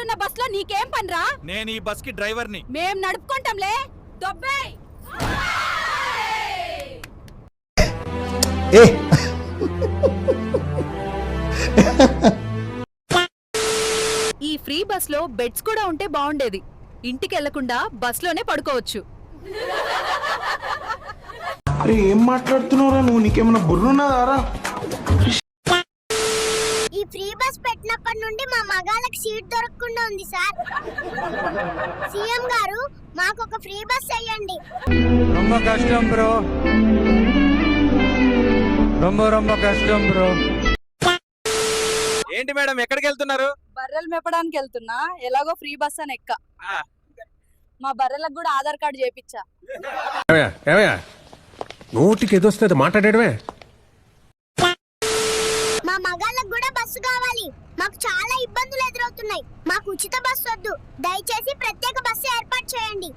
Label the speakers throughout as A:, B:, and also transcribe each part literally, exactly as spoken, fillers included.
A: ఆడవాళ్ళున్న bus లో నీకేం పనిరా?
B: నేను ఈ బస్ కి డ్రైవర్ ని.
A: మేం నడుపుకుంటాంలే. దొబ్బేయ్.
C: ఏ
A: ఈ ఫ్రీ బస్ లో బెడ్స్ కూడా ఉంటే బాగుండేది. ఇంటికి వెళ్లకుండా బస్ లోనే పడుకోవచ్చు.
C: అరే ఏం మాట్లాడుతున్నావురా నువ్వు? నీకేమైనా బుర్రున్నదారా?
D: ఈ ఫ్రీ బస్ పెట్టినప్పటి నుండి మా మగాళ్ళకి సీట్ దొరకకుండా ఉంది సార్. సీఎం గారు మాకు ఒక ఫ్రీ బస్ వేయండి.
E: ரொம்ப కష్టం బ్రో, ரொம்ப ரொம்ப కష్టం బ్రో.
B: ఏంటి మేడం ఎక్కడికి వెళ్తున్నారు?
A: బర్రెలు మెప్పడానికి వెళ్తున్నా. ఎలాగో ఫ్రీ బస్ అని ఎక్క. మా బర్రెలకు కూడా ఆధార్ కార్డు చేపించా.
F: నోటికి ఎదొస్తే మాట్లాడేయడమే.
D: మా మగాళ్ళకు కూడా బస్సు కావాలి. మాకు చాలా ఇబ్బందులు ఎదురవుతున్నాయి. మాకు ఉచిత బస్సు వద్దు. దయచేసి ప్రత్యేక బస్సు ఏర్పాటు చేయండి.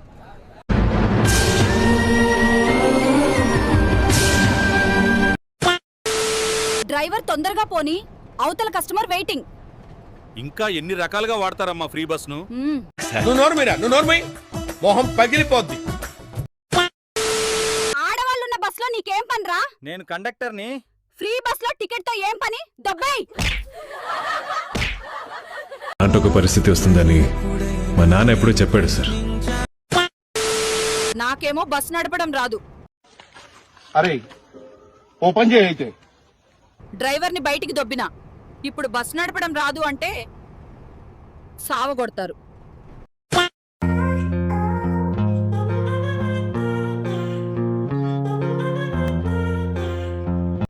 A: డ్రైవర్ తొందరగా పోని, అవతల కస్టమర్ వెయిటింగ్.
B: ఇంకా ఎన్ని రకాలుగా వాడతారమ్మా ఫ్రీ బస్ ను?
F: నువ్వు నోరు మీరా, నువ్వు నోరు మీరా. మొహం పగిలిపోద్ది.
A: ఆడవాళ్ళున్న బస్ లో నీకేం పనిరా?
B: నేను కండక్టర్ ని.
A: ఫ్రీ బస్ లో టికెట్ తో ఏం పని? దొబ్బేయ్.
G: అంటే ఒక పరిస్థితి వస్తుందని మా నాన్న ఎప్పుడూ చెప్పాడు సార్.
A: నాకేమో బస్ నడపడం రాదు.
C: అరే ఓపెన్ చేయి అయితే.
A: డ్రైవర్ ని బయటికి దొబ్బినా. ఇప్పుడు బస్ నడపడం రాదు అంటే సావగొడతారు.